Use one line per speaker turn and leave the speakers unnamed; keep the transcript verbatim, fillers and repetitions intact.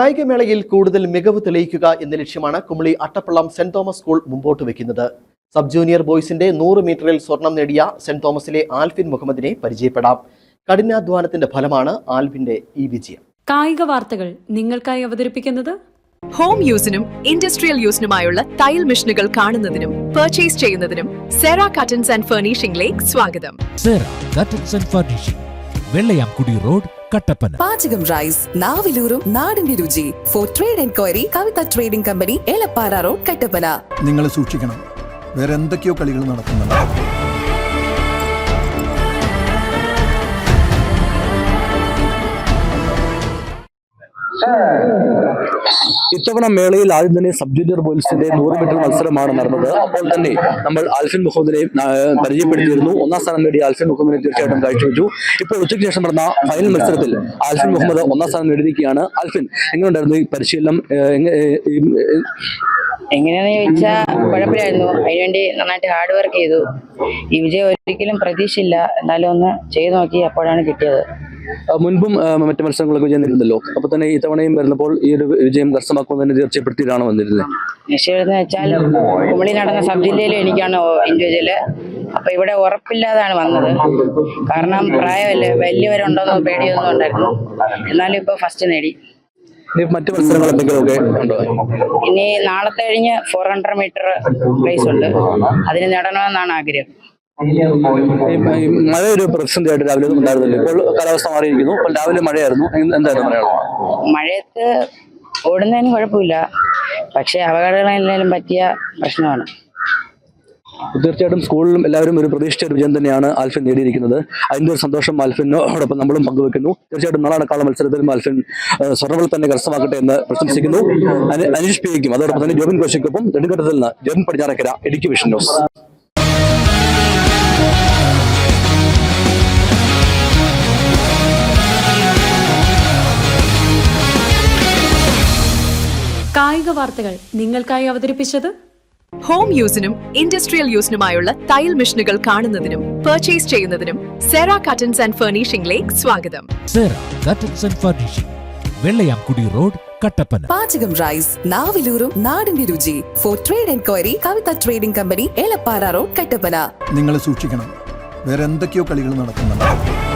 കായികമേളയിൽ കൂടുതൽ മികവ് തെളിയിക്കുക എന്ന ലക്ഷ്യമാണ് Kumily Attappallam saint Thomas school മുമ്പോട്ട് വെക്കുന്നത്. സബ് ജൂനിയർ ബോയ്സിന്റെ നൂറ് മീറ്ററിൽ സ്വർണം നേടിയ സെന്റ് തോമസിലെ ആൽഫിൻ മുഹമ്മദിനെ പരിചയപ്പെടാം. കഠിനാധ്വാനത്തിന്റെ ഫലമാണ് ആൽഫിന്റെ ഈ വിജയം.
കായിക വാർത്തകൾ നിങ്ങൾക്കായി അവതരിപ്പിക്കുന്നത്
ഹോം യൂസിനും ഇൻഡസ്ട്രിയൽ യൂസിനുമായുള്ള തയ്യൽ മെഷീനുകൾ കാണുന്നതിനും പർച്ചേസ് ചെയ്യുന്നതിനും സെറ കട്ടൻസ് ആൻഡ് ഫർണിഷിംഗിലേക്ക് സ്വാഗതം.
Sera curtains and furnishing, Vellayamkudi road, Kattappana.
Pachakam rice, നാവിലൂറും നാടിന്റെ രുചി. For trade enquiry Kavitha trading company, Elappara road, Kattappana.
നിങ്ങൾ സൂക്ഷിക്കണം, വേറെ എന്തൊക്കെയോ കളികൾ നടക്കുന്നുണ്ട്.
ഇത്തവണ മേളയിൽ ആദ്യം തന്നെ സബ് ജൂനിയർ ബോയ്സിന്റെ നൂറ് മീറ്റർ മത്സരമാണ് നടന്നത്. അപ്പോൾ തന്നെ നമ്മൾ ആൽഫിൻ മുഹമ്മദിനെ പരിചയപ്പെടുത്തിയിരുന്നു. ഒന്നാം സ്ഥാനം നേടിയ ആൽഫിൻ മുഹമ്മദിനെ തീർച്ചയായിട്ടും കാഴ്ചവെച്ചു. ഇപ്പോൾ ഉച്ചയ്ക്ക് ശേഷം നടന്ന ഫൈനൽ മത്സരത്തിൽ ആൽഫിൻ മുഹമ്മദ് ഒന്നാം സ്ഥാനം നേടിയിരിക്കുകയാണ്. ആൽഫിൻ, എങ്ങനെയുണ്ടായിരുന്നു ഈ പരിശീലനം?
എങ്ങനെയാന്ന് ചോദിച്ചാൽ കുഴപ്പമില്ലായിരുന്നു. അതിനുവേണ്ടി നന്നായിട്ട് ഹാർഡ് വർക്ക് ചെയ്തു. ഈ വിജയം ഒരിക്കലും പ്രതീക്ഷയില്ല, എന്നാലും ഒന്ന് ചെയ്തു നോക്കി, അപ്പോഴാണ് കിട്ടിയത്.
മുൻപും മറ്റു മത്സരങ്ങളൊക്കെ വിജയം നേരിടുന്നല്ലോ, അപ്പൊ തന്നെ ഈ തവണയും വരുന്നപ്പോൾ ഈ ഒരു വിജയം കരസ്ഥമാക്കുന്നതിന് തീർച്ചപ്പെടുത്തിയിട്ടാണ് വന്നിരുന്നത്.
നിശ്ചയമെന്ന് വെച്ചാൽ കുമളി നടന്ന സബ് ജില്ലയിലും എനിക്കാണ് ഇൻഡിവിജ്വല്. അപ്പൊ ഇവിടെ ഉറപ്പില്ലാതാണ് വന്നത്. കാരണം പ്രായമല്ലേ, വലിയവരുണ്ടോന്നോ പേടിയൊന്നും ഉണ്ടായിരുന്നു. എന്നാലും ഇപ്പൊ ഫസ്റ്റ് നേടി.
മറ്റു മത്സരങ്ങൾ എന്തെങ്കിലുമൊക്കെ ഉണ്ടോ?
ഇനി നാളത്തെ കഴിഞ്ഞ് ഫോർ ഹൺഡ്രഡ് മീറ്റർ റേസ് ഉണ്ട്, അതിന് നേടണമെന്നാണ് ആഗ്രഹം.
മഴ ഒരു പ്രതിസന്ധിയായിട്ട് രാവിലെ ഒന്നും ഉണ്ടായിരുന്നില്ല. ഇപ്പോൾ കാലാവസ്ഥ മാറിയിരിക്കുന്നു. ഇപ്പോൾ രാവിലെ മഴയായിരുന്നു. എന്തായിരുന്നു പറയാനുള്ളത്?
മഴയത്ത് ഓടുന്നതിന് കുഴപ്പമില്ല, പക്ഷെ അപകടങ്ങളെല്ലാം പറ്റിയ പ്രശ്നമാണ്.
തീർച്ചയായിട്ടും സ്കൂളിലും എല്ലാവരും ഒരു പ്രതീക്ഷിച്ച ഒരു വിജയം തന്നെയാണ് ആൽഫിൻ നേടിയിരിക്കുന്നത്. അതിന്റെ ഒരു സന്തോഷം ആൽഫിനോടൊപ്പം നമ്മളും പങ്കുവെക്കുന്നു. തീർച്ചയായിട്ടും നാളെ നടക്കാനുള്ള മത്സരത്തിലും ആൽഫിൻ സ്വർണ്ണങ്ങൾ തന്നെ കരസ്ഥമാക്കട്ടെ എന്ന് പ്രശംസിക്കുന്നു. അനീഷ് പിക്കും അതോടൊപ്പം തന്നെ ജോബിൻ കോശയ്ക്കൊപ്പം നെടുങ്കണ്ടത്തിൽ നിന്ന് ജോബിൻ പടിഞ്ഞാറക്കര, ഇടുക്കി വിഷൻ ന്യൂസ്.
കായിക വാർത്തകൾ നിങ്ങൾക്കായി അവതരിപ്പിച്ചത്
ഹോം യൂസിനും ഇൻഡസ്ട്രിയൽ യൂസിനുമായുള്ള തയ്യൽ മെഷീനുകൾ കാണുന്നതിനും പർച്ചേസ് ചെയ്യുന്നതിനും സെറ കട്ടൻസ് ആൻഡ് ഫർണിഷിംഗിലേക്ക് സ്വാഗതം.
Sera curtains and furnishing, Vellayamkudi road, Kattappana.
Pachakam rice, നാവിലൂറും നാടിന്റെ രുചി. For trade enquiry Kavitha trading company, Elappara road, Kattappana.
നിങ്ങൾ സൂക്ഷിക്കണം, വേറെ എന്തൊക്കെയോ കളികൾ നടക്കുന്നുണ്ട്.